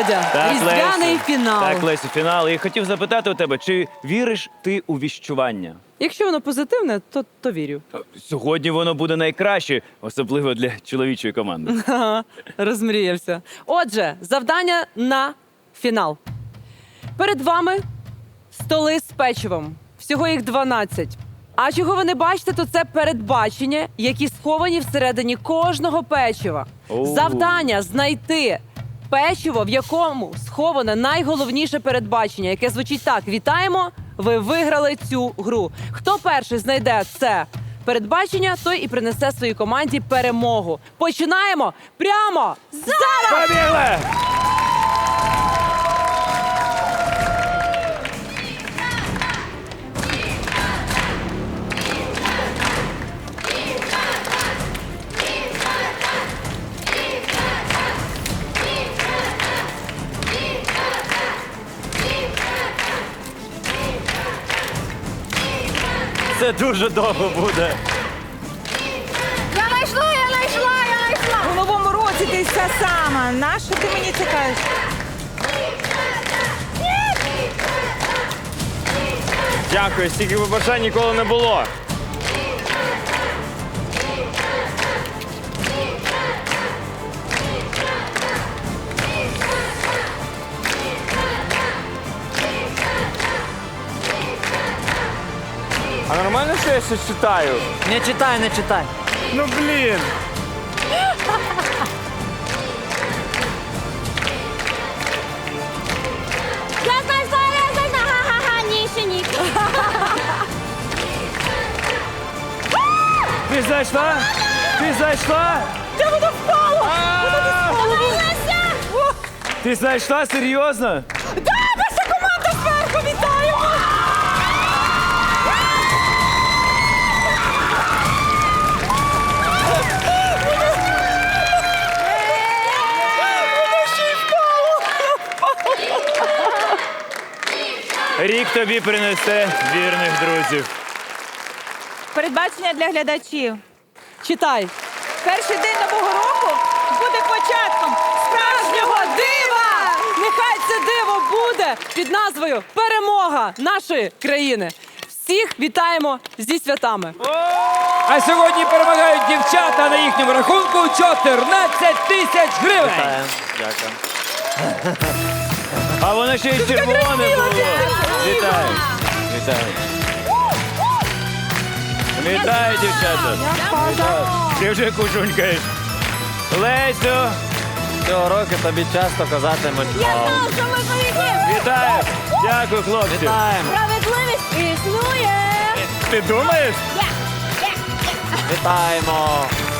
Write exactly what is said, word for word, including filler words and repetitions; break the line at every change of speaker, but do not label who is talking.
Володя. Різдвяний
Лесю.
фінал.
Так, Лесю, фінал. І хотів запитати у тебе, чи віриш ти у віщування?
Якщо воно позитивне, то, то вірю.
Сьогодні воно буде найкраще, особливо для чоловічої команди.
Ага, розмріявся. Отже, завдання на фінал. Перед вами столи з печивом. Всього їх дванадцять. А чого ви не бачите, то це передбачення, які сховані всередині кожного печива.
Оу.
Завдання знайти печиво, в якому сховане найголовніше передбачення, яке звучить так: вітаємо, ви виграли цю гру. Хто перший знайде це передбачення, той і принесе своїй команді перемогу. Починаємо прямо зараз!
Побігли! Це дуже довго буде.
Я знайшла, я знайшла, я знайшла.
У новому році ти вся сама. Нащо ти мені це кажеш?
Дякую, стільки побажань ніколи не було. А нормально, що я щось читаю?
Не читай, не читай.
Ну блін.
Я знайшла, я знайшла. Ха-ха-ха, ні, ще ні.
Ти знайшла? Ти знайшла?
Де воно впало?
Подивилася.
Ти знайшла? Серйозно?
Да, ваша команда зверху, вітаємо!
Рік тобі принесе вірних друзів.
Передбачення для глядачів.
Читай.
Перший день нового року буде початком справжнього дива!
Нехай це диво буде під назвою «Перемога нашої країни». Всіх вітаємо зі святами.
А сьогодні перемагають дівчата на їхньому рахунку чотирнадцять тисяч гривень.
Дякую. А воно ще й червоне було. Вітаю. Вітаю. Вітаю, дівчата. Вітаю. Ти вже кушунькаєш. Лесю,
Цього року тобі часто казатимуть
Я
«Вау».
знала, що ми поїдемо.
вітаю. Дякую, хлопці.
Вітаємо,
Справедливість існує.
Ти думаєш?
Я, я, я.
вітаємо.